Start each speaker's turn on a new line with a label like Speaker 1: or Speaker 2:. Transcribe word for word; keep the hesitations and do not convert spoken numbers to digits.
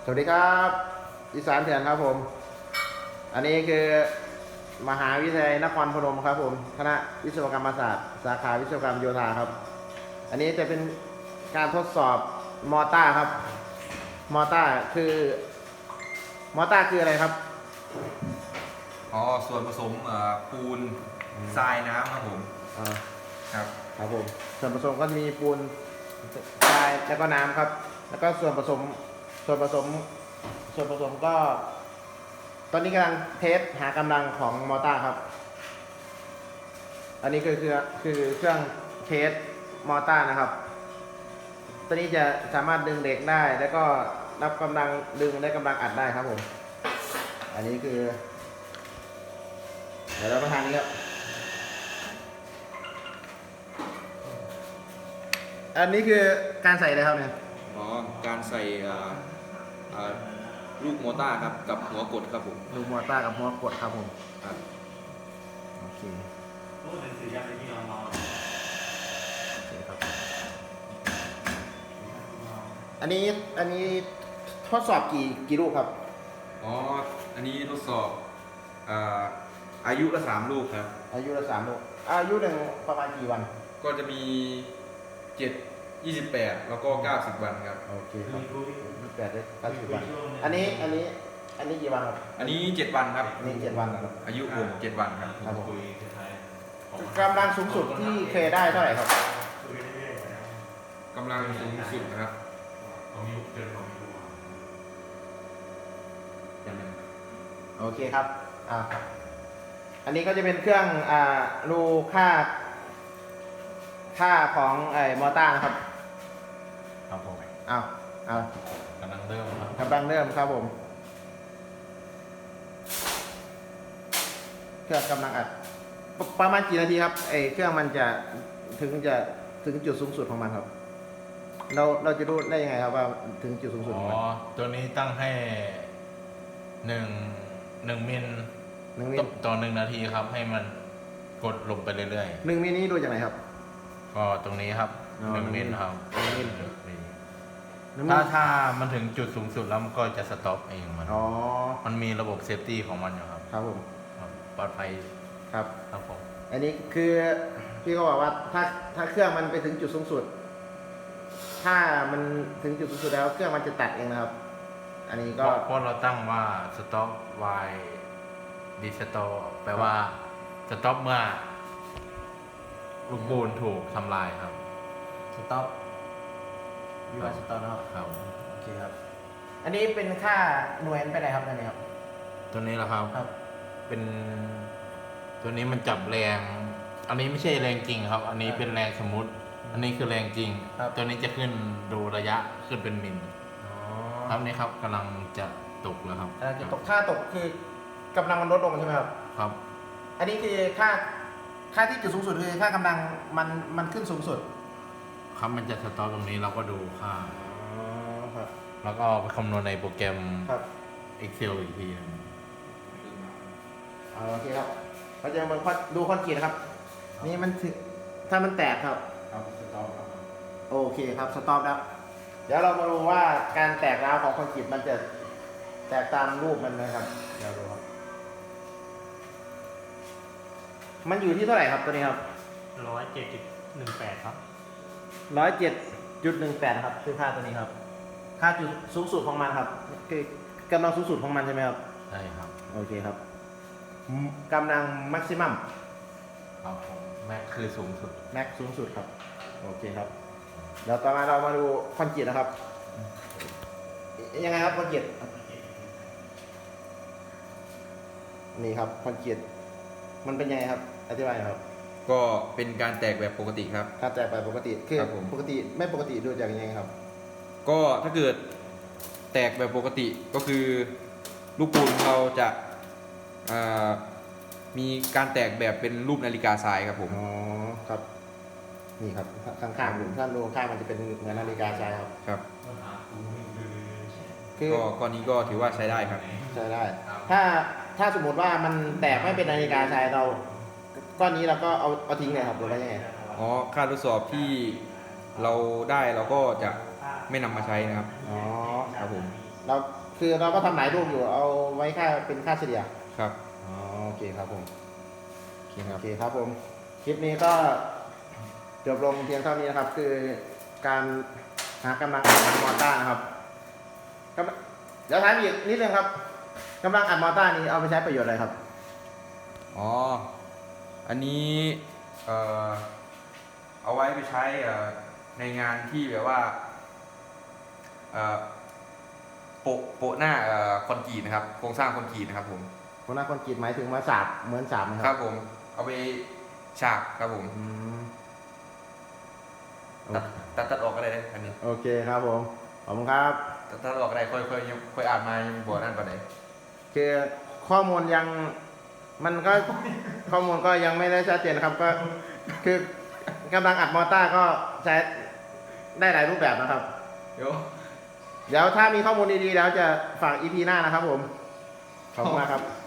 Speaker 1: วัสดีครับอีสานเถื่อนครับผมอันนี้คือมหาวิทยาลัยนครพนมครับผมคณะวิศวกรรมศาสตร์สาขาวิศวกรรมโยธาครับอันนี้จะเป็นการทดสอบมอต้าครับมอต้าคือมอต้าคืออะไรครับ
Speaker 2: อ๋อส่วนผสมเอ่อปูนทรายน้ำครับผม
Speaker 1: อ่า
Speaker 2: ครับ
Speaker 1: ครับผมส่วนผสมก็มีปูนทรายแล้วก็น้ำครับแล้วก็ส่วนผสมส่วนผสมส่วนผสมก็ ตอนนี้กำลังเทสหากำลังของมอต้าครับอันนี้คือคือคือเครื่องเทสมอต้านะครับตัวนี้จะสามารถดึงเหล็กได้แล้วก็รับกำลังดึงและกำลังอัดได้ครับผมอันนี้คือเดี๋ยวเรามาทานนี้ครับอันนี้คือการใส่อะไรครับเนี่ย
Speaker 2: อ๋อการใส่อ่าอ่าลูกโมต้าครับกับหัวกดครับผม
Speaker 1: ลูกมอต้ากับหัวกดครับผม
Speaker 2: ครับ
Speaker 1: โอเคโอเคครับอันนี้อันนี้ทดสอบกี่กี่ลูกครับ
Speaker 2: อ๋ออันนี้ทดสอบอ่าอายุละสามลูกครับ
Speaker 1: อายุละสามลูกอายุหนึ่งประมาณกี่วัน
Speaker 2: ก็จะมีเจ็ดยี่สิบแปดแล้วก็เก้าสิบวันครับ
Speaker 1: โอเคครับยี่สิบแปดได้เก้าสิบวันอันนี้อันนี้อันนี้กี่วันครับ
Speaker 2: อันนี้เจ็ดวันครับ
Speaker 1: อันนี้เจ็ดวันครับ
Speaker 2: อายุผมเจ็ดวันครับ
Speaker 1: ครับผมกำลังสูงสุดที่เคยได้เท่าไหร่ครับ
Speaker 2: กำลังสูงสุดนะครับ
Speaker 1: โอเคครับอ่าอันนี้ก็จะเป็นเครื่องอ่ารูค่าค่าของไอ้มอต้านะครับ
Speaker 3: ครับผม
Speaker 1: เอาเอา
Speaker 3: กำลังเริ่มครับ
Speaker 1: กำลังเริ่มครับผมเครื่องกำลังอัดปประมาณกี่นาทีครับไอ้เครื่องมันจะถึงจะถึงจุดสูงสุดของมันครับเราเราจะรู้ได้ยังไงครับว่าถึงจุดสูงสุดของมัน
Speaker 3: อ๋อตัวนี้ตั้งให้หนึ่งหนึ่งมิล
Speaker 1: หนึ่งมิล
Speaker 3: ต่อหนึ่งนาทีครับให้มันกดลงไปเรื่อย
Speaker 1: หนึ่งมิลนี้ดูจากไหนครับ
Speaker 3: ๆก็ตรงนี้ครับหนึ่งมิลครับ
Speaker 1: หนึ่งมิล
Speaker 3: ถ้าถ้ามันถึงจุดสูงสุดแล้วมันก็จะสต็อปเองมัน
Speaker 1: อ๋อ
Speaker 3: มันมีระบบเซฟตี้ของมันอยู่ครับ
Speaker 1: ครับผม
Speaker 3: ปลอดภัย
Speaker 1: ครับ
Speaker 3: ครับผม
Speaker 1: อันนี้คือพี่ก็บอกว่าถ้าถ้าเครื่องมันไปถึงจุดสูงสุดถ้ามันถึงจุดสูงสุดแล้วเครื่องมันจะตัดเองนะครับอันนี้ก็
Speaker 3: เพราะเราตั้งว่าสต็อปไวดีสต็อปแปลว่าสต็อปเมื่อลูกปูนถูกทำลายครับ
Speaker 1: สต็อปวิวัฒน์สต็อปนะครับ
Speaker 3: ครับ
Speaker 1: โอเคครับอันนี้เป็นค่าหน่วยไปไหนครับอันนี้ครับ
Speaker 3: ตัวนี้แหละครับ
Speaker 1: ครับ
Speaker 3: เป็นตัวนี้มันจับแรงอันนี้ไม่ใช่แรงจริงครับอันนี้เป็นแรงสมมุติอันนี้คือแรงจริงตัวนี้จะขึ้นดูระยะขึ้นเป็นมิลครับนี่ครับกำลังจะตกแล้วครับ
Speaker 1: จะตกค่าตกคือกำลังมันลดลงใช่ไหมครับ
Speaker 3: ครับ
Speaker 1: อันนี้คือค่าค่าที่จุดสูงสุดคือค่ากำลังมันมันขึ้นสูงสุด
Speaker 3: ครับมันจะสต็อปตรงนี้เราก็ดูค่า
Speaker 1: ครับ
Speaker 3: แล้วก็ไปคำนวณในโปรแกรม
Speaker 1: ครับ
Speaker 3: Excel อีกที
Speaker 1: โอเคครับเราจะมาดูคอนกรีตนะครับนี่มันถึงถ้ามันแตกครับ
Speaker 3: ครับสต็อปครับ
Speaker 1: โอเคครับสต็อปแล้วเดี๋ยวเรามาดูว่าการแตกร้าวของคอนกรีตมันจะแตกตามรูปมันไหมครับเดี๋ยวดูครับมันอยู่ที่เท่าไหร่ครับตัวนี้ครับ
Speaker 4: ร้อยเจ็ดจุดหนึ่งแปดครับ
Speaker 1: ร้อยเจ็ดจุดหนึ่งแปดครับคือค่าตัวนี้ครับค่าจุดสูงสุดของมันครับคือกำลังสูงสุดของมันใช่ไหมครับ
Speaker 3: ใช่ครับ
Speaker 1: โอเคครับกำลังแม็กซิมัม
Speaker 3: ครับผมแม็กคือสูงสุด
Speaker 1: แม็กสูงสุดครับโอเคครับเดี๋ยวต่อมาเรามาดูคอนกรีตนะครับยังไงครับคอนกรีตนี่ครับคอนกรีตมันเป็นยังไงครับอธิบายหน่อยครับ
Speaker 2: ก็เป็นการแตกแบบปกติครับ
Speaker 1: การแตกแบบปกติคือปกติไม่ปกติดูจากยังไงครับ
Speaker 2: ก็ถ้าเกิดแตกแบบปกติก็คือลูกปูนเราจะมีการแตกแบบเป็นรูปนาฬิกาทรายครับผม
Speaker 1: อ๋อครับนี่ครับข้างๆดูท่านดูข้างมันจะเป็นเหมือนนาฬิกาทรายครับ
Speaker 2: ครับ
Speaker 1: คือ
Speaker 2: ก็ก้อนนี้ก็ถือว่าใช้ได้ครับ
Speaker 1: ใช้ได้ถ้าถ้าสมมติว่ามันแตกไม่เป็นนาฬิกาทรายเราก้อนนี้เราก็เอาเอาทิ้งเลยครับหรือว่ายังไง
Speaker 2: อ๋อค่าทดสอบที่เราได้เราก็จะไม่นำมาใช้นะครับ
Speaker 1: อ๋อ
Speaker 2: ครับผม
Speaker 1: เราคือเราก็ทำหลายรูปอยู่เอาไว้ค่าเป็นค่าเฉลี่ย
Speaker 2: ครับ
Speaker 1: อ๋อโอเคครับผม
Speaker 2: โอเคครั
Speaker 1: โอบ เคครับผมคลิปนี้ก็จบลงเพียงเท่านี้นะครับ คือการหากำลังอัดมอเตอร์นะครับกำเดี๋ยวถามอีกนิดนึงครับกำลังอัดมอเตอร์นี้เอาไปใช้ประโยชน์อะไรครับ
Speaker 2: อ๋อ อันนี้เอ่อเอาไว้ไปใช้เอ่อในงานที่แบบว่าเอ่อโปะโปะหน้าเอ่อคอนกรีตนะครับโครงสร้างคอนกรีตนะครับผม
Speaker 1: คนนักคนกรีดหมายถึงมาสาบเหมือนสาบไหมค
Speaker 2: ค
Speaker 1: รั
Speaker 2: รับ บผมเอาไปฉากครับผม
Speaker 1: อืม
Speaker 2: ตัดตัดตัดออกก็ได้นะอันนี้
Speaker 1: โอเคครับผมขอบคุณครับ
Speaker 2: ตัดตัดออกก็ได้ค่อยค่อยค่อยอ่านมายังบอกนั่นก่อนไหน
Speaker 1: คือข้อมูลยังมันก็ ข้อมูลก็ยังไม่ได้ชัดเจนนะครับก็คือกำลังอัดมอเตอร์ก็ใช้ได้หลายรูปแบบนะครับ
Speaker 2: เดี๋ยว
Speaker 1: เดี๋ยวถ้ามีข้อมูลดีๆแล้วจะฝาก อี พี หน้านะครับผม ขอบคุณมากครับ